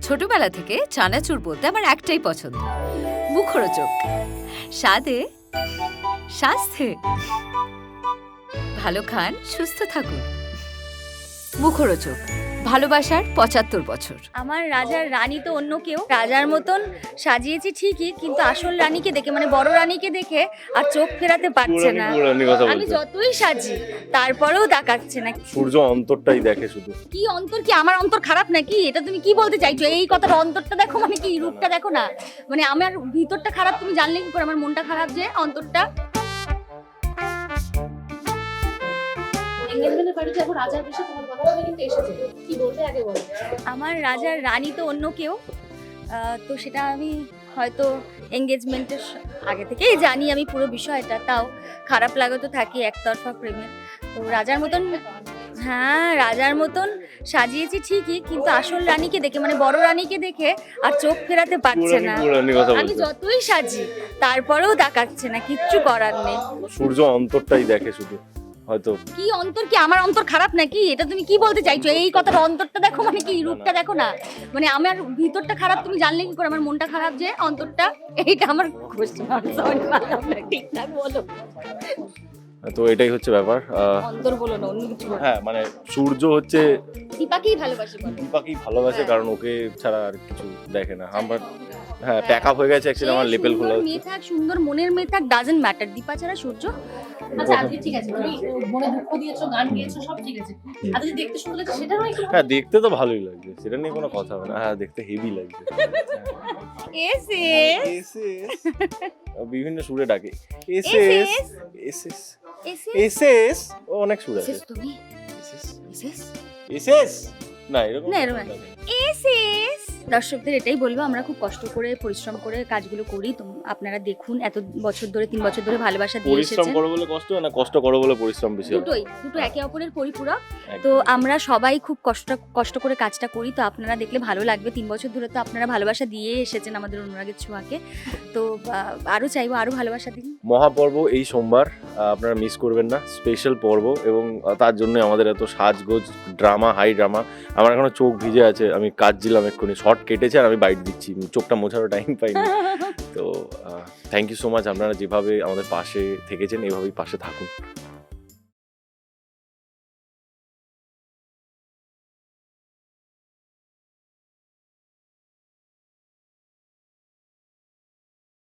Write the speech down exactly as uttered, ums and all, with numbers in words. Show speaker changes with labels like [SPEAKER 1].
[SPEAKER 1] ছোটবেলা থেকে চানাচুর বলতে আমার একটাই পছন্দ, মুখরোচক। স্বাদে, স্বাস্থ্যে। ভালো খান, সুস্থ থাকুন। মুখরোচক, ভালোবাসার পঁচাত্তর বছর।
[SPEAKER 2] আমার রাজার রানী তো অন্য কেউ, রাজার মতন সাজিয়েছি ঠিকই, কিন্তু আসল রানীকে দেখে মানে বড় রানীকে দেখে আর চোখ ফেরাতে পারছে না। আমি যতই সাজি তারপরেও তাকাচ্ছে না।
[SPEAKER 3] সূর্য অন্তরটাই দেখে শুধু।
[SPEAKER 2] কি অন্তর? কি আমার অন্তর খারাপ নাকি? এটা তুমি কি বলতে চাইছো? এই কথাটা অন্তরটা দেখো মানে কি, রূপটা দেখো না, মানে আমার ভিতরটা খারাপ তুমি জানলে কি করে? আমার মনটা খারাপ যে অন্তরটা। আমার রাজার রানী তো অন্য কেউ, তো সেটা আমি হয়তো এঙ্গেজমেন্টের আগে থেকেই জানি আমি পুরো বিষয়টা, তাও খারাপ লাগা তো থাকি একতরফা প্রেমে। তো রাজার মতন, হ্যাঁ রাজার মতন সাজিয়েছি ঠিকই, কিন্তু আসল রানীকে দেখে মানে বড় রানীকে দেখে আর চোখ ফেরাতে পারছে না। আমি যতই সাজি তারপরেও তাকাচ্ছে না, কিচ্ছু করার নেই।
[SPEAKER 3] সূর্য অন্তরটাই দেখে শুধু। হয়তো
[SPEAKER 2] কি অন্তর? কি আমার অন্তর খারাপ নাকি? এটা তুমি কি বলতে চাইছো? এই কথাটা অন্তরটা দেখো মানে কি, রূপটা দেখো না, মানে আমার ভিতরটা খারাপ তুমি জানলে কি করে? আমার মনটা খারাপ যে অন্তরটা, এইটা আমার কোশ্চেন। সরি পারলাম না ঠিকঠাক বলো।
[SPEAKER 3] তো এটাই হচ্ছে ব্যাপার।
[SPEAKER 2] অন্তর বলো না, অন্য কিছু বলো।
[SPEAKER 3] হ্যাঁ মানে সূর্য হচ্ছে
[SPEAKER 2] দীপাকেই ভালোবাসি বলো।
[SPEAKER 3] দীপাকেই ভালোবাসে,
[SPEAKER 2] হ্যাঁ।
[SPEAKER 3] কারণ ওকে ছাড়া আর কিছু দেখে না। আমার হ্যাঁ প্যাক আপ হয়ে গেছে অ্যাকচুয়ালি, আমার লেপেল খোলা হচ্ছে।
[SPEAKER 2] মেয়ে থাক, সুন্দর মনের মেয়ে থাক, ডাজন্ট ম্যাটার। দীপা ছাড়া সূর্য।
[SPEAKER 4] আচ্ছা আজকে ঠিক আছে, তুমি মনে দুঃখ দিয়েছো, গান গেয়েছো, সব ঠিক আছে। আজকে দেখতে শুনতে লাগছে, সেটা নয় একটু।
[SPEAKER 3] হ্যাঁ দেখতে তো ভালোই লাগছে, সেটা নিয়ে কোনো কথা হবে না। হ্যাঁ দেখতে হেভি লাগছে।
[SPEAKER 2] এস
[SPEAKER 3] এস এস বিভিন্ন সুরে ডাকে। এস
[SPEAKER 2] এস
[SPEAKER 3] এস এস এস
[SPEAKER 2] এস
[SPEAKER 3] এস এস ও অনেক সুর আছে।
[SPEAKER 2] এস তুমি
[SPEAKER 3] এস এস
[SPEAKER 2] এস এস
[SPEAKER 3] এস এস না এরকম
[SPEAKER 2] না, এরকম না। এস এস দর্শকদের এটাই বলবো, আমরা খুব কষ্ট করে পরিশ্রম করে কাজগুলো করি, তো আপনারা দেখুন। এত বছর ধরে, তিন বছর ধরে ভালোবাসা দিয়ে
[SPEAKER 3] পরিশ্রম
[SPEAKER 2] এসেছেন।
[SPEAKER 3] করো বলে কষ্ট হয় না, কষ্ট করো বলে পরিশ্রম বেশি হয়।
[SPEAKER 2] দুটোই, দুটো একে অপরের পরিপূরক।
[SPEAKER 3] একদম।
[SPEAKER 2] তো আমরা সবাই খুব কষ্ট কষ্ট করে কাজটা করি, তো আপনারা দেখলে ভালো লাগবে। তিন বছর ধরে তো আপনারা ভালোবাসা দিয়ে এসেছেন আমাদের অনুরাগের ছোঁয়াকে, তো আহ, আরো চাইবো আরো ভালোবাসা দিন।
[SPEAKER 3] মহাপর্ব এই সোমবার, আহ, আপনারা মিস করবেন না। স্পেশাল পর্ব, এবং আহ, তার জন্য আমাদের এত সাজগোজ, ড্রামা, হাই ড্রামা। আমার এখনো চোখ ভিজে আছে, আমি কাজ দিলাম এক্ষুনি, শর্ট কেটেছে আর আমি বাইট দিচ্ছি, চোখটা মোছারও টাইম পাইনি। তো থ্যাংক ইউ সো মাচ, আপনারা যেভাবে আমাদের পাশে থেকেছেন এভাবেই পাশে থাকুন।